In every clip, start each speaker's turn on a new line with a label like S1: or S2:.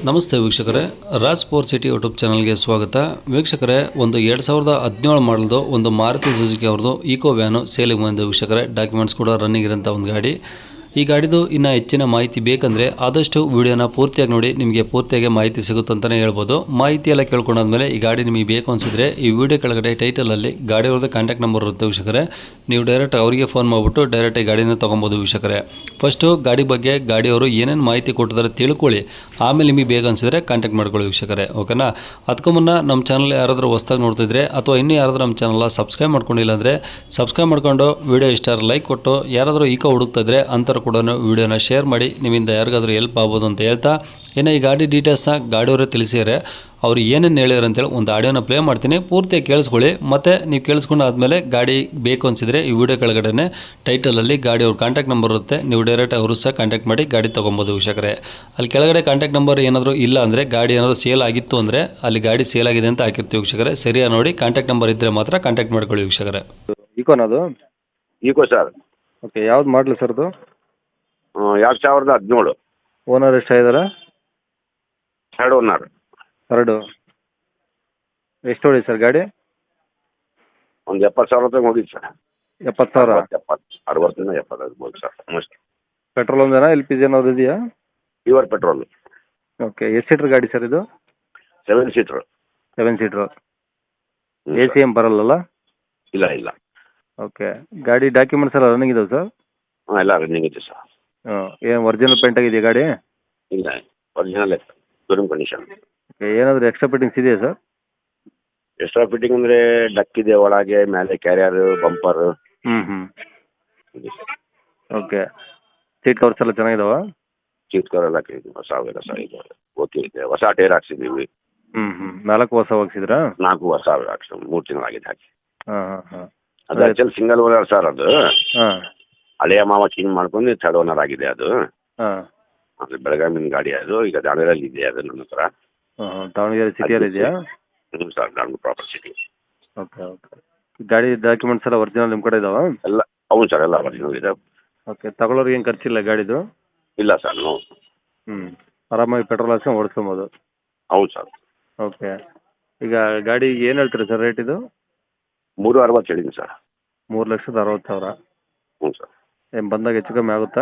S1: ನಮಸ್ತೆ ವೀಕ್ಷಕರೇ, Raj power city YouTube ಚಾನಲ್ಗೆ ಸ್ವಾಗತ. ವೀಕ್ಷಕರೇ, ಒಂದು 2017 ಮಾಡಲ್ದು ಒಂದು ಮಾರುತಿ ಸುಜುಕಿ ಅವ್ರದ್ದು ಈಕೋ ವ್ಯಾನು ಸೇಲಿಗೆ ಬಂದಿದೆ ವೀಕ್ಷಕರೇ. ಡಾಕ್ಯುಮೆಂಟ್ಸ್ ಕೂಡ ರನ್ನಿಂಗ್ ಇರೋಂಥ ಒಂದು ಗಾಡಿ. ಈ ಗಾಡಿದು ಇನ್ನೂ ಹೆಚ್ಚಿನ ಮಾಹಿತಿ ಬೇಕಂದರೆ ಆದಷ್ಟು ವಿಡಿಯೋನ ಪೂರ್ತಿಯಾಗಿ ನೋಡಿ, ನಿಮಗೆ ಪೂರ್ತಿಯಾಗಿ ಮಾಹಿತಿ ಸಿಗುತ್ತಂತಲೇ ಹೇಳ್ಬೋದು. ಮಾಹಿತಿ ಎಲ್ಲ ಕೇಳ್ಕೊಂಡಾದ್ಮೇಲೆ ಈ ಗಾಡಿ ನಿಮಗೆ ಬೇಕು ಅನಿಸಿದ್ರೆ ಈ ವಿಡಿಯೋ ಕೆಳಗಡೆ ಟೈಟಲಲ್ಲಿ ಗಾಡಿಯವ್ರದ್ದು ಕಾಂಟ್ಯಾಕ್ಟ್ ನಂಬರ್ ಇರುತ್ತೆ ವೀಕ್ಷಕರೇ. ನೀವು ಡೈರೆಕ್ಟ್ ಅವರಿಗೆ ಫೋನ್ ಮಾಡಿಬಿಟ್ಟು ಡೈರೆಕ್ಟಾಗಿ ಗಾಡಿನ ತೊಗೊಬೋದು ವೀಕ್ಷಕರೇ. ಫಸ್ಟು ಗಾಡಿ ಬಗ್ಗೆ ಗಾಡಿಯವರು ಏನೇನು ಮಾಹಿತಿ ಕೊಟ್ಟಿದ್ದಾರೆ ತಿಳ್ಕೊಳ್ಳಿ, ಆಮೇಲೆ ನಿಮಗೆ ಬೇಗ ಅನಿಸಿದ್ರೆ ಕಾಂಟ್ಯಾಕ್ಟ್ ಮಾಡ್ಕೊಳ್ಳಿ ವೀಕ್ಷಕರೇ, ಓಕೆನಾ. ಅದಕ್ಕೂ ಮುನ್ನ ನಮ್ಮ ಚಾನಲ್ ಯಾರಾದರೂ ಹೊಸ್ದಾಗಿ ನೋಡ್ತಿದ್ರೆ ಅಥವಾ ಇನ್ನೂ ಯಾರಾದರೂ ನಮ್ಮ ಚಾನಲ್ನ ಸಬ್ಸ್ಕ್ರೈಬ್ ಮಾಡ್ಕೊಂಡಿಲ್ಲ ಅಂದರೆ ಸಬ್ಸ್ಕ್ರೈಬ್ ಮಾಡ್ಕೊಂಡು ವಿಡಿಯೋ ಇಷ್ಟ ಲೈಕ್ ಕೊಟ್ಟು, ಯಾರಾದರೂ ಈಕೋ ಹುಡುಕ್ತಿದ್ರೆ ಅಂಥವ್ರು ಕೂಡ ವಿಡಿಯೋನ ಶೇರ್ ಮಾಡಿ, ನಿಮ್ಮಿಂದ ಯಾರಿಗಾದ್ರೂ ಹೆಲ್ಪ್ ಆಗ್ಬೋದು ಅಂತ ಹೇಳ್ತಾ, ಇನ್ನು ಈ ಗಾಡಿ ಡೀಟೇಲ್ಸ್ನ ಗಾಡಿಯವರೇ ತಿಳಿಸಿದರೆ ಅವ್ರು ಏನೇನು ಹೇಳ್ಯಾರ ಅಂತೇಳಿ ಒಂದು ಆಡಿಯೋನ ಪ್ಲೇ ಮಾಡ್ತೀನಿ, ಪೂರ್ತಿಯಾಗಿ ಕೇಳಿಸ್ಕೊಳ್ಳಿ. ಮತ್ತು ನೀವು ಕೇಳಿಸ್ಕೊಂಡು ಆದಮೇಲೆ ಗಾಡಿ ಬೇಕು ಅನಿಸಿದರೆ ಈ ವಿಡಿಯೋ ಕೆಳಗಡೆ ಟೈಟಲಲ್ಲಿ ಗಾಡಿಯವ್ರ ಕಾಂಟ್ಯಾಕ್ಟ್ ನಂಬರ್ ಇರುತ್ತೆ, ನೀವು ಡೈರೆಕ್ಟ್ ಅವರು ಸಹ ಕಾಂಟ್ಯಾಕ್ಟ್ ಮಾಡಿ ಗಾಡಿ ತೊಗೊಬೋದು ವೀಕ್ಷಕರೇ. ಅಲ್ಲಿ ಕೆಳಗಡೆ ಕಾಂಟ್ಯಾಕ್ಟ್ ನಂಬರ್ ಏನಾದರೂ ಇಲ್ಲ ಅಂದರೆ, ಗಾಡಿ ಏನಾದರೂ ಸೇಲ್ ಆಗಿತ್ತು ಅಂದರೆ ಅಲ್ಲಿ ಗಾಡಿ ಸೇಲ್ ಆಗಿದೆ ಅಂತ ಹಾಕಿರ್ತೀವಿ ವೀಕ್ಷಕರೇ. ಸರಿಯಾಗಿ ನೋಡಿ, ಕಾಂಟ್ಯಾಕ್ಟ್ ನಂಬರ್ ಇದ್ದರೆ ಮಾತ್ರ ಕಾಂಟ್ಯಾಕ್ಟ್ ಮಾಡ್ಕೊಳ್ಳಿ ವೀಕ್ಷಕರೇ.
S2: ಈಕೋನದು
S3: ಈಕೋ ಸರ್.
S2: ಓಕೆ, ಯಾವ್ದು ಮಾಡಲು ಸರ್ ಅದು?
S3: 2017.
S2: ಓನರ್ ಎಷ್ಟಾಗಿದ್ದಾರೆ?
S3: Third owner.
S2: ಎರಡು. ಎಷ್ಟು ಹೊಡಿ ಸರ್ ಗಾಡಿ?
S3: ಒಂದು 70,000 ರೂಪಾಯಿ ಹೋಗಿದ್ದು ಸರ್.
S2: 70,000?
S3: 60 70 ಆಗ್ಬೋದು ಸರ್ ಮೋಸ್ಟ್.
S2: ಪೆಟ್ರೋಲ್ ಒಂದೇನಾ, ಎಲ್ ಪಿ ಜಿ ಏನಾದ್ರು ಇದೆಯಾ?
S3: Pure petrol.
S2: ಓಕೆ, ಎಷ್ಟು ಸೀಟ್ರ್ ಗಾಡಿ ಸರ್ ಇದು?
S3: 7 ಸೀಟ್ರು.
S2: 7 ಸೀಟ್ರು. ಎ ಸಿ ಎಮ್ ಬರಲ್ಲಲ್ಲ?
S3: ಇಲ್ಲ ಇಲ್ಲ.
S2: ಓಕೆ, ಗಾಡಿ ಡಾಕ್ಯುಮೆಂಟ್ಸ್ ಎಲ್ಲ ರನ್ನಿಂಗ್ ಇದಾವೆ ಸರ್?
S3: ಹಾಂ, ಎಲ್ಲ ರನ್ನಿಂಗ್ ಇದೆ ಸರ್.
S2: ಏನು ಒರಿಜಿನಲ್ ಪೇಂಟ್ ಆಗಿದೆಯಾ ಗಾಡಿ?
S3: ಇಲ್ಲ, ಒರಿಜಿನಲ್ ಶೋರೂಮ್ ಕಂಡೀಷನ್.
S2: ಓಕೆ, ಏನಾದರೂ ಎಕ್ಸ್ಟ್ರಾ ಫಿಟ್ಟಿಂಗ್ಸ್ ಇದೆಯಾ ಸರ್?
S3: ಎಕ್ಸ್ಟ್ರಾ ಫಿಟ್ಟಿಂಗ್ ಅಂದರೆ ಡಕ್ ಇದೆ ಒಳಗೆ, ಮೇಲೆ ಕ್ಯಾರಿಯರ್, ಬಂಪರ್.
S2: ಹ್ಞೂ. ಓಕೆ, ಸೀಟ್ ಕವರ್ಸ್ ಎಲ್ಲ ಚೆನ್ನಾಗಿದಾವ?
S3: ಸೀಟ್ ಕವರ್ ಎಲ್ಲ ಹೊಸ ಅವೆಲ್ಲ ಸರ್ ಇದೆ. ಓಕೆ ಇದೆ, ಹೊಸ ಟೈರ್ ಹಾಕ್ಸಿದ್ದೀವಿ.
S2: ಹ್ಞೂ. 4 ಹೊಸ ಹಾಕ್ಸಿದ್ರಾ?
S3: 4 ಹೊಸ ಹಾಕ್ಸಿ 3 ತಿಂಗಳಾಗಿದೆ ಹಾಕಿ.
S2: ಹಾಂ.
S3: ಅದು ಆ್ಯಕ್ಚುಲಿ ಸಿಂಗಲ್ ಓನರ್ ಸರ್ ಅದು.
S2: ಹಾಂ.
S3: ಹಳೆಯ ಮಾವ ಚೇಂಜ್ ಮಾಡ್ಕೊಂಡು ಥರ್ಡ್ ಓನರ್ ಆಗಿದೆ ಅದು.
S2: ಹಾಂ.
S3: ಅದು ಬೆಳಗಾವಿನ ಗಾಡಿ ಅದು, ಈಗ ದಾವಣಗೆರೆಯಲ್ಲಿ ಇದೆ ಅದು ನನ್ನ ಹತ್ರ.
S2: ದಾವಣಗೆರೆ ಸಿಟಿಯಲ್ಲಿ ಇದೆಯಾ?
S3: ಹ್ಞೂ sir, Davanagere proper city.
S2: Okay. ಗಾಡಿ ಡಾಕ್ಯುಮೆಂಟ್ಸ್ ಎಲ್ಲ ಒರಿಜಿನಲ್ ನಿಮ್ಮ ಕಡೆ ಇದಾವಾ?
S3: ಎಲ್ಲ ಹೌದು ಸರ್, ಎಲ್ಲ ಒರಿಜಿನಲ್ ಇದೆ.
S2: ಓಕೆ, ತಗೊಳ್ಳೋರಿಗೆ ಏನು ಖರ್ಚಿಲ್ಲ ಗಾಡಿದು?
S3: ಇಲ್ಲ ಸರ್, ನೋ.
S2: ಆರಾಮಾಗಿ ಪೆಟ್ರೋಲ್ ಹಾಕ್ಸ್ಕೊಂಡು ಓಡಿಸ್ಕೊಬೋದು?
S3: ಹೌದು ಸರ್.
S2: ಓಕೆ, ಈಗ ಗಾಡಿ ಏನು ಹೇಳ್ತೀರಾ ಸರ್ ರೇಟ್ ಇದು?
S3: 360 ಹೇಳಿದ್ದೀನಿ ಸರ್.
S2: 3,60,000.
S3: ಹ್ಞೂ ಸರ್.
S2: ಏನು ಬಂದಾಗ ಹೆಚ್ಚು ಕಮ್ಮಿ ಆಗುತ್ತಾ?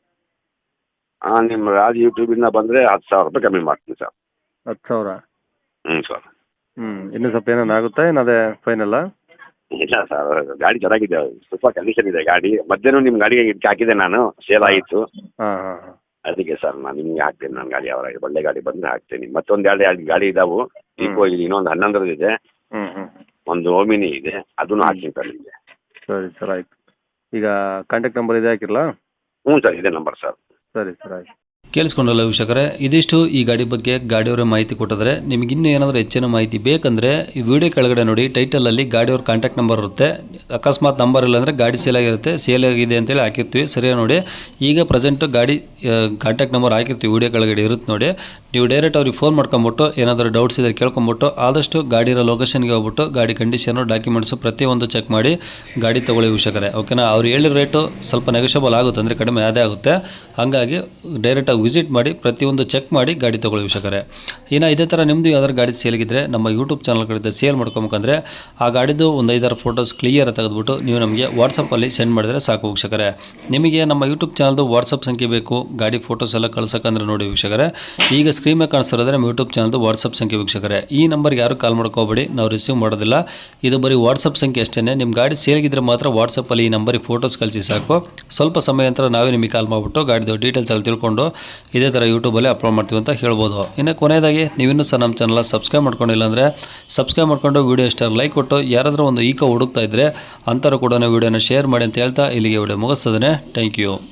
S3: ಹಾಂ, ನಿಮ್ಮ ರಾಜ್ ಯೂಟ್ಯೂಬಿಂದ ಬಂದರೆ 10,000 ರೂಪಾಯಿ ಕಮ್ಮಿ ಮಾಡ್ತೀನಿ ಸರ್.
S2: 10,000?
S3: ಹ್ಞೂ ಸರ್.
S2: ಇನ್ನೂ ಸ್ವಲ್ಪ ಏನೇನು ಆಗುತ್ತಾ, ಏನು ಅದೇ ಫೈನಲ್ಲ?
S3: ಇಲ್ಲ ಸರ್, ಗಾಡಿ ಚೆನ್ನಾಗಿದೆ, ಸ್ವಲ್ಪ ಕಂಡೀಷನ್ ಇದೆ ಗಾಡಿ. ಮಧ್ಯಾಹ್ನ ನಿಮ್ಮ ಗಾಡಿಗೆ ಇದಕ್ಕೆ ಹಾಕಿದೆ ನಾನು, ಸೇಲ್ ಆಯಿತು.
S2: ಹಾಂ.
S3: ಅದಕ್ಕೆ ಸರ್ ನಾನು ನಿಮಗೆ ಹಾಕ್ತೇನೆ. ನನ್ನ ಗಾಡಿ ಅವರ ಒಳ್ಳೆ ಗಾಡಿ ಬಂದರೆ ಹಾಕ್ತೇನೆ. ಮತ್ತೊಂದು 2 ಗಾಡಿ ಇದಾವೆ. ಈಕೋ ಇದೆ, ಇನ್ನೊಂದು 11 ಇದೆ. ಒಂದು ಓಮಿನಿ ಇದೆ, ಅದನ್ನು ಹಾಕ್ತೀನಿ ಸರ್ ನಿಮಗೆ.
S2: ಸರಿ ಸರ್, ಆಯಿತು. ಈಗ ಕಾಂಟ್ಯಾಕ್ಟ್ ನಂಬರ್ ಇದೆ ಹಾಕಿರಲಾ?
S3: ಹ್ಞೂ ಸರ್, ಇದೇ ನಂಬರ್ ಸರ್.
S2: ಸರಿ ಸರ್, ಆಯಿತು.
S1: ಕೇಳಿಸ್ಕೊಂಡಲ್ಲ ವೀಕ್ಷಕರೇ, ಇದಿಷ್ಟು ಈ ಗಾಡಿ ಬಗ್ಗೆ ಗಾಡಿಯವರೇ ಮಾಹಿತಿ ಕೊಟ್ಟಿದ್ದಾರೆ. ನಿಮಗೆ ಇನ್ನೂ ಏನಾದರೂ ಹೆಚ್ಚಿನ ಮಾಹಿತಿ ಬೇಕಂದರೆ ಈ ವಿಡಿಯೋ ಕೆಳಗಡೆ ನೋಡಿ, ಟೈಟಲಲ್ಲಿ ಗಾಡಿಯವ್ರ ಕಾಂಟ್ಯಾಕ್ಟ್ ನಂಬರ್ ಇರುತ್ತೆ. ಅಕಸ್ಮಾತ್ ನಂಬರ್ ಇಲ್ಲ ಅಂದರೆ ಗಾಡಿ ಸೇಲ್ ಆಗಿರುತ್ತೆ, ಸೇಲ್ ಆಗಿದೆ ಅಂತೇಳಿ ಹಾಕಿರ್ತೀವಿ. ಸರಿಯಾಗಿ ನೋಡಿ, ಈಗ ಪ್ರೆಸೆಂಟು ಗಾಡಿ ಕಾಂಟ್ಯಾಕ್ಟ್ ನಂಬರ್ ಹಾಕಿರ್ತೀವಿ, ವಿಡಿಯೋ ಕೆಳಗಡೆ ಇರುತ್ತೆ ನೋಡಿ. ನೀವು ಡೈರೆಕ್ಟ್ ಅವ್ರಿಗೆ ಫೋನ್ ಮಾಡ್ಕೊಂಬಿಟ್ಟು ಏನಾದರೂ ಡೌಟ್ಸ್ ಇದ್ದರೆ ಕೇಳ್ಕೊಂಬಿಟ್ಟು ಆದಷ್ಟು ಗಾಡಿರೋ ಲೊಕೇಶನ್ಗೆ ಹೋಗ್ಬಿಟ್ಟು ಗಾಡಿ ಕಂಡೀಷನು, ಡಾಕ್ಯುಮೆಂಟ್ಸು ಪ್ರತಿಯೊಂದು ಚೆಕ್ ಮಾಡಿ ಗಾಡಿ ತೊಗೊಳ್ಳಿ ವೀಕ್ಷಕರೇ, ಓಕೆನಾ. ಅವ್ರು ಹೇಳಿರೋ ರೇಟು ಸ್ವಲ್ಪ ನೆಗೋಷಿಯಬಲ್ ಆಗುತ್ತೆ, ಅಂದರೆ ಕಡಿಮೆ ಅದೇ ಆಗುತ್ತೆ. ಹಾಗಾಗಿ ಡೈರೆಕ್ಟಾಗಿ ವಿಸಿಟ್ ಮಾಡಿ ಪ್ರತಿಯೊಂದು ಚೆಕ್ ಮಾಡಿ ಗಾಡಿ ತೊಗೊಳ್ಳಿ ವೀಕ್ಷಕರೇ. ಇನ್ನು ಇದೇ ಥರ ನಿಮ್ಮದು ಯಾವ್ದಾದ್ರು ಗಾಡಿ ಸೇಲ್ಗಿದ್ರೆ ನಮ್ಮ ಯೂಟ್ಯೂಬ್ ಚಾನಲ್ ಕಡೆ ಸೇಲ್ ಮಾಡ್ಕೊಬೇಕಂದ್ರೆ ಆ ಗಾಡಿದು ಒಂದು 5-6 ಫೋಟೋಸ್ ಕ್ಲಿಯರ್ ತೆಗೆದುಬಿಟ್ಟು ನೀವು ನಮಗೆ ವಾಟ್ಸಪ್ಪಲ್ಲಿ ಸೆಂಡ್ ಮಾಡಿದರೆ ಸಾಕು ವೀಕ್ಷಕರೇ. ನಿಮಗೆ ನಮ್ಮ ಯೂಟ್ಯೂಬ್ ಚಾನಲ್ದು ವಾಟ್ಸಪ್ ಸಂಖ್ಯೆ ಬೇಕು, ಗಾಡಿ ಫೋಟೋಸ್ ಎಲ್ಲ ಕಳ್ಸೋಕ್ಕಂದ್ರೆ ನೋಡಿ ವೀಕ್ಷಕರೇ, ಈಗ ಸ್ಕ್ರೀನ್ ಮೇಲೆ ಕಾಣಿಸ್ತಿರೋದ್ರೆ ನಮ್ಮ ಯೂಟ್ಯೂಬ್ ಚಾನಲ್ದು ವಾಟ್ಸಪ್ ಸಂಖ್ಯೆ ವೀಕ್ಷಕರೇ. ಈ ನಂಬರ್ಗೆ ಯಾರು ಕಾಲ್ ಮಾಡ್ಕೋಬೇಡಿ, ನಾವು ರಿಸೀವ್ ಮಾಡೋದಿಲ್ಲ. ಇದು ಬರೀ ವಾಟ್ಸಪ್ ಸಂಖ್ಯೆ ಅಷ್ಟೇ. ನಿಮ್ಮ ಗಾಡಿ ಸೇಲ್ಗಿದ್ರೆ ಮಾತ್ರ ವಾಟ್ಸಪ್ಪಲ್ಲಿ ಈ ನಂಬರಿಗೆ ಫೋಟೋಸ್ ಕಳಿಸಿ ಸಾಕು. ಸ್ವಲ್ಪ ಸಮಯ ನಂತರ ನಾವೇ ನಿಮಗೆ ಕಾಲ್ ಮಾಡಿಬಿಟ್ಟು ಗಾಡಿದು ಡೀಟೇಲ್ಸ್ ಎಲ್ಲ ತಿಳ್ಕೊಂಡು ಇದೇ ಥರ ಯೂಟ್ಯೂಬಲ್ಲಿ ಅಪ್ಲೋಡ್ ಮಾಡ್ತೀವಿ ಅಂತ ಹೇಳ್ಬೋದು. ಇನ್ನು ಕೊನೆಯದಾಗಿ ನೀವಿನ್ನೂ ಸಹ ನಮ್ಮ ಚಾನಲ್ ಸಬ್ಸ್ಕ್ರೈಬ್ ಮಾಡ್ಕೊಂಡಿಲ್ಲ ಅಂದರೆ ಸಬ್ಸ್ಕ್ರೈಬ್ ಮಾಡ್ಕೊಂಡು ವಿಡಿಯೋ ಇಷ್ಟ ಲೈಕ್ ಕೊಟ್ಟು, ಯಾರಾದರೂ ಒಂದು ಈಕೋ ಹುಡುಕ್ತಾ ಇದ್ದರೆ ಅಂಥವ್ರು ಕೂಡ ವಿಡಿಯೋನ ಶೇರ್ ಮಾಡಿ ಅಂತ ಹೇಳ್ತಾ ಇಲ್ಲಿಗೆ ವಿಡಿಯೋ ಮುಗಿಸ್ತದೆ. Thank you.